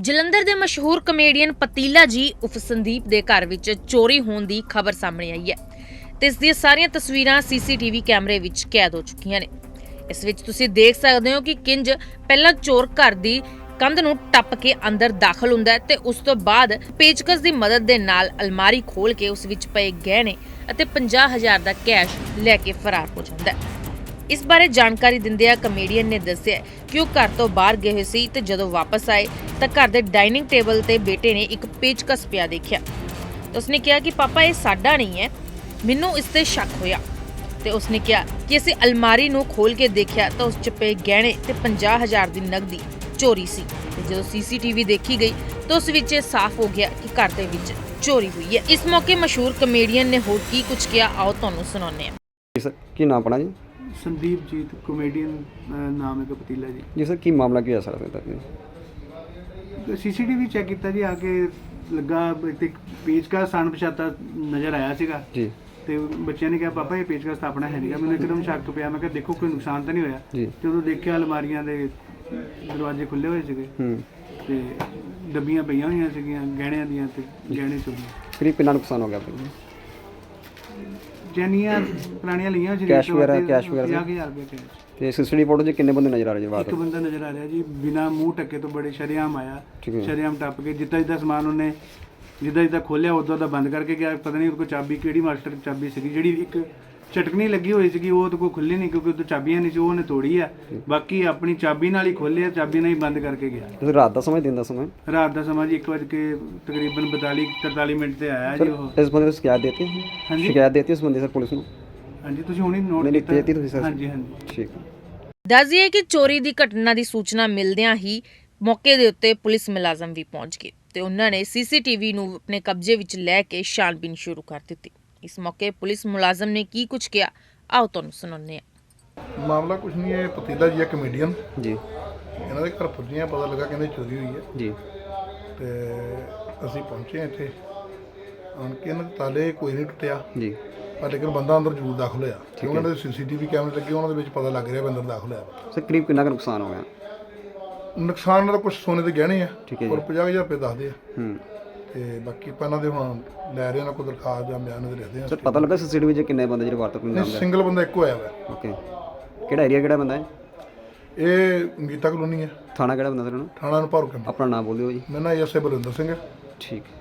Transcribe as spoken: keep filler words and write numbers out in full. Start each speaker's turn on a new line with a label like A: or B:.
A: ਜਲੰਧਰ ਦੇ ਮਸ਼ਹੂਰ ਕਮੇਡੀਅਨ ਪਤੀਲਾ ਜੀ ਉਫ ਸੰਦੀਪ ਦੇ ਘਰ ਵਿੱਚ ਚੋਰੀ ਹੋਣ ਦੀ ਖਬਰ ਸਾਹਮਣੇ ਆਈ ਹੈ ਤੇ ਇਸ ਦੀਆਂ ਸਾਰੀਆਂ ਤਸਵੀਰਾਂ ਸੀਸੀਟੀਵੀ ਕੈਮਰੇ ਵਿੱਚ ਕੈਦ ਹੋ ਚੁੱਕੀਆਂ ਨੇ। ਇਸ ਵਿੱਚ ਤੁਸੀਂ ਦੇਖ ਸਕਦੇ ਹੋ ਕਿ ਕਿੰਜ ਪਹਿਲਾਂ ਚੋਰ ਘਰ ਦੀ ਕੰਧ ਨੂੰ ਟੱਪ ਕੇ ਅੰਦਰ ਦਾਖਲ ਹੁੰਦਾ ਹੈ ਤੇ ਉਸ ਤੋਂ ਬਾਅਦ ਪੇਚਕਸ ਦੀ ਮਦਦ ਦੇ ਨਾਲ ਅਲਮਾਰੀ ਖੋਲ ਕੇ ਉਸ ਵਿੱਚ ਪਏ ਗਹਿਣੇ ਅਤੇ ਪੰਜਾਹ ਹਜ਼ਾਰ ਦਾ ਕੈਸ਼ ਲੈ ਕੇ ਫਰਾਰ ਹੋ ਜਾਂਦਾ ਹੈ। ਇਸ ਬਾਰੇ ਜਾਣਕਾਰੀ ਦਿੰਦਿਆਂ ਕਮੇਡੀਅਨ ਨੇ ਦੱਸਿਆ ਕਿ ਉਹ ਘਰ ਤੋਂ ਬਾਹਰ ਗਏ ਹੋਏ ਸੀ ਤੇ ਜਦੋਂ ਵਾਪਸ ਆਏ ਤਾਂ ਘਰ ਦੇ ਡਾਈਨਿੰਗ ਟੇਬਲ ਤੇ ਬੇਟੇ ਨੇ ਇੱਕ ਪੇਚਕਸ ਪਿਆ ਦੇਖਿਆ। ਉਸਨੇ ਕਿਹਾ ਕਿ ਪਾਪਾ ਇਹ ਸਾਡਾ ਨਹੀਂ ਹੈ, ਮੈਨੂੰ ਇਸ ਤੇ ਸ਼ੱਕ ਹੋਇਆ ਤੇ ਉਸਨੇ ਕਿਹਾ ਕਿ ਅਸੀਂ ਅਲਮਾਰੀ ਨੂੰ ਖੋਲ ਕੇ ਦੇਖਿਆ ਤਾਂ ਉਸ 'ਚ ਪਏ ਗਹਿਣੇ ਤੇ ਪੰਜਾਹ ਹਜ਼ਾਰ ਦੀ ਨਕਦੀ ਚੋਰੀ ਸੀ ਤੇ ਜਦੋਂ ਸੀਸੀਟੀਵੀ ਦੇਖੀ ਗਈ ਤਾਂ ਉਸ ਵਿੱਚ ਇਹ ਸਾਫ਼ ਹੋ ਗਿਆ ਕਿ ਘਰ ਦੇ ਵਿੱਚ ਚੋਰੀ ਹੋਈ ਹੈ। ਇਸ ਮੌਕੇ ਮਸ਼ਹੂਰ ਕਮੇਡੀਅਨ ਨੇ ਹੋਰ ਕੀ ਕੁਝ ਕਿਹਾ, ਆਓ ਤੁਹਾਨੂੰ ਸੁਣਾਉਂਦੇ ਹਾਂ।
B: जी सर की नाम पड़ा जी?
C: संदीप जीत कॉमेडियन नाम है पतीला जी।
B: जी सर की मामला की है सर अभी तक?
C: सीसीटीवी चेक किया जी, आके लगा एक पेचकस अणपछाता नज़र आया सीगा
B: जी
C: ਤੇ ਬੱਚਿਆਂ ਨੇ ਕਿਹਾ ਪਾਪਾ ਇਹ ਪੇਚਕਸ ਤਾਂ ਆਪਣਾ ਹੈ ਨਹੀਂਗਾ। ਮੈਨੂੰ ਇੱਕਦਮ ਸ਼ੱਕ ਪਿਆ, ਮੈਂ ਕਿਹਾ ਦੇਖੋ ਕੋਈ ਨੁਕਸਾਨ ਤਾਂ ਨਹੀਂ ਹੋਇਆ।
B: ਜੀ
C: ਜਦੋਂ ਦੇਖਿਆ ਅਲਮਾਰੀਆਂ ਦੇ ਦਰਵਾਜ਼ੇ ਖੁੱਲੇ ਹੋਏ ਸੀਗੇ
B: ਹੂੰ
C: ਤੇ ਡੱਬੀਆਂ ਪਈਆਂ ਹੋਈਆਂ ਸੀਗੀਆਂ ਗਹਿਣਿਆਂ ਦੀਆਂ ਤੇ ਗਹਿਣੇ ਚੋਰੀ।
B: करीब कितना नुकसान हो गया आपको?
C: ਜੈਨੀਆਂ ਪੁਰਾਣੀਆਂ ਲਈਆਂ ਸੀ
B: कैश वगैरह कैश वगैरह
C: ਪੰਜਾਹ ਹਜ਼ਾਰ ਰੁਪਏ ਕੈਸ਼।
B: ਤੇ ਸੀਸੀਟੀਵੀ ਫੋਟੋ 'ਚ ਕਿੰਨੇ ਬੰਦੇ ਨਜ਼ਰ ਆ ਰਹੇ ਜੀ ਬਾਹਰ?
C: ਇੱਕ ਬੰਦਾ ਨਜ਼ਰ ਆ ਰਿਹਾ ਜੀ, ਬਿਨਾ ਮੂੰਹ ਢੱਕੇ ਤੋਂ ਬੜੇ ਸ਼ਰੇਆਮ ਆਇਆ,
B: ਠੀਕ ਹੈ।
C: ਸ਼ਰੇਆਮ ਟੱਪ ਕੇ ਜਿੱਦਾਂ ਜਿੱਦਾਂ ਸਮਾਨ ਉਹਨੇ ਜਿੱਦਾਂ ਜਿੱਦਾਂ ਖੋਲਿਆ ਉਦੋਂ ਦਾ ਬੰਦ ਕਰਕੇ ਗਿਆ। ਪਤਾ ਨਹੀਂ ਉਹਦੇ ਕੋਲ ਚਾਬੀ ਕਿਹੜੀ ਮਾਸਟਰ ਚਾਬੀ ਸੀਗੀ, ਜਿਹੜੀ ਇੱਕ ਚਟਕਣੀ ਲੱਗੀ ਹੋਈ ਸੀਗੀ ਉਹ ਉਹਦੇ ਕੋਲ ਖੁੱਲੀ ਨਹੀਂ ਕਿਉਂਕਿ ਉਹਦੇ ਚਾਬੀਆਂ ਨਹੀਂ ਸੀ, ਉਹ ਉਹਨੇ ਤੋੜੀ ਆ। ਬਾਕੀ ਆਪਣੀ ਚਾਬੀ ਨਾਲ ਹੀ ਖੋਲਿਆ, ਚਾਬੀ ਨਾਲ ਹੀ ਬੰਦ ਕਰਕੇ ਗਿਆ।
B: ਤੁਸੀਂ ਰਾਤ ਦਾ ਸਮਾਂ ਦਿਨ ਦਾ ਸਮਾਂ?
C: ਰਾਤ ਦਾ ਸਮਾਂ ਜੀ ਇੱਕ ਵਜੇ ਕੇ ਤਕਰੀਬਨ ਬਤਾਲੀ ਤਰਤਾਲੀ ਮਿੰਟ ਤੇ ਆਇਆ ਜੀ ਉਹ।
B: ਇਸ ਬੰਦੇ ਨੂੰ ਸ਼ਿਕਾਇਤ ਦੇਤੀ?
C: ਹਾਂਜੀ
B: ਸ਼ਿਕਾਇਤ ਦੇਤੀ ਇਸ ਬੰਦੇ ਸਰ ਪੁਲਿਸ ਨੂੰ?
C: ਹਾਂਜੀ ਤੁਸੀਂ ਹੁਣੀ ਨੋਟ
B: ਨਹੀਂ
C: ਕੀਤਾ?
B: ਦੇਤੀ ਤੁਸੀਂ ਸਰ?
C: ਹਾਂਜੀ ਹਾਂਜੀ
B: ਠੀਕ।
A: ਦੱਸ ਦਈਏ ਕਿ ਚੋਰੀ ਦੀ ਘਟਨਾ ਦੀ ਸੂਚਨਾ ਮਿਲਦਿਆਂ ਹੀ ਮੌਕੇ ਦੇ ਉੱਤੇ ਪੁਲਿਸ ਮੁਲਾਜ਼ਮ ਵੀ ਪਹੁੰਚ ਗਏ ਤੇ ਉਹਨਾਂ ਨੇ ਸੀਸੀਟੀਵੀ ਨੂੰ ਆਪਣੇ ਕਬਜ਼ੇ ਵਿੱਚ ਲੈ ਕੇ ਛਾਣਬੀਨ ਸ਼ੁਰੂ ਕਰ ਦਿੱਤੀ। ਇਸ ਮੌਕੇ ਪੁਲਿਸ ਮੁਲਾਜ਼ਮ ਨੇ ਕੀ ਕੁਝ ਕਿਹਾ, ਆਓ ਤੁਹਾਨੂੰ ਸੁਣਾਉਂਦੇ ਹਾਂ।
D: ਮਾਮਲਾ ਕੁਝ ਨਹੀਂ ਹੈ, ਪਤੀਲਾ ਜੀ ਹੈ ਕਮੇਡੀਅਨ,
B: ਜੀ
D: ਇਹਨਾਂ ਦੇ ਘਰ ਪੁੱਜੇ ਆ, ਪਤਾ ਲੱਗਾ ਕਹਿੰਦੇ ਚੋਰੀ ਹੋਈ ਹੈ
B: ਜੀ
D: ਤੇ ਅਸੀਂ ਪਹੁੰਚੇ ਹਾਂ ਇੱਥੇ ਆਣ ਕੇ। ਇਹਨਾਂ ਦੇ ਤਾਲੇ ਕੋਈ ਨਹੀਂ ਟੁੱਟਿਆ
B: ਜੀ
D: ਪਰ ਲੇਕਿਨ ਬੰਦਾ ਅੰਦਰ ਜ਼ਰੂਰ ਦਾਖਲ ਹੋਇਆ। ਉਹਨਾਂ ਦੇ ਸੀਸੀਟੀਵੀ ਕੈਮਰੇ ਲੱਗੇ, ਉਹਨਾਂ ਦੇ ਵਿੱਚ ਪਤਾ ਲੱਗ ਰਿਹਾ ਵੀ ਅੰਦਰ ਦਾਖਲ ਹੋਇਆ।
B: ਸਰ ਕਰੀਬ ਕਿੰਨਾ ਕੁ ਨੁਕਸਾਨ ਹੋ ਗਿਆ?
D: ਨੁਕਸਾਨ ਦਾ ਕੁਝ ਸੋਨੇ ਦੇ ਗਹਿਣੇ ਆ
B: ਠੀਕ ਹੈ ਜੀ।
D: ਔਰ ਪੰਜਾਹ ਹਜ਼ਾਰ ਰੁਪਏ ਦੱਸਦੇ ਆ
B: ਹੂੰ
D: ਤੇ ਬਾਕੀ ਆਪਾਂ ਇਹਨਾਂ ਦੇ ਹੁਣ ਲੈ ਰਹੇ ਉਹਨਾਂ ਕੋਲ ਦਰਖਾਸਤ ਜਾਂ ਬਿਆਨ ਦੇ ਰੱਖਦੇ ਆ।
B: ਸਰ ਪਤਾ ਲੱਗਾ ਸੀਸੀਟੀਵੀ 'ਚ ਕਿੰਨੇ ਬੰਦੇ ਜਿਹੜੇ ਵਾਰਤਕ ਨੂੰ ਨਾਮ?
D: ਸਿੰਗਲ ਬੰਦਾ ਇੱਕੋ ਆਇਆ ਵਾ।
B: ਓਕੇ ਕਿਹੜਾ ਏਰੀਆ ਕਿਹੜਾ ਬੰਦਾ ਹੈ?
D: ਇਹ ਗੀਤਾ ਕਲੋਨੀ ਹੈ।
B: ਥਾਣਾ ਕਿਹੜਾ ਬੰਦਾ ਸਰ? ਉਹਨੂੰ
D: ਥਾਣਾ ਨੂੰ ਭਾਰੂ ਕੈਂਪ।
B: ਆਪਣਾ ਨਾਮ ਬੋਲਿਓ ਜੀ।
D: ਮੇਰਾ ਨਾਮ ਐਸ ਏ ਬਲਵਿੰਦਰ ਸਿੰਘ ਹੈ।
B: ਠੀਕ।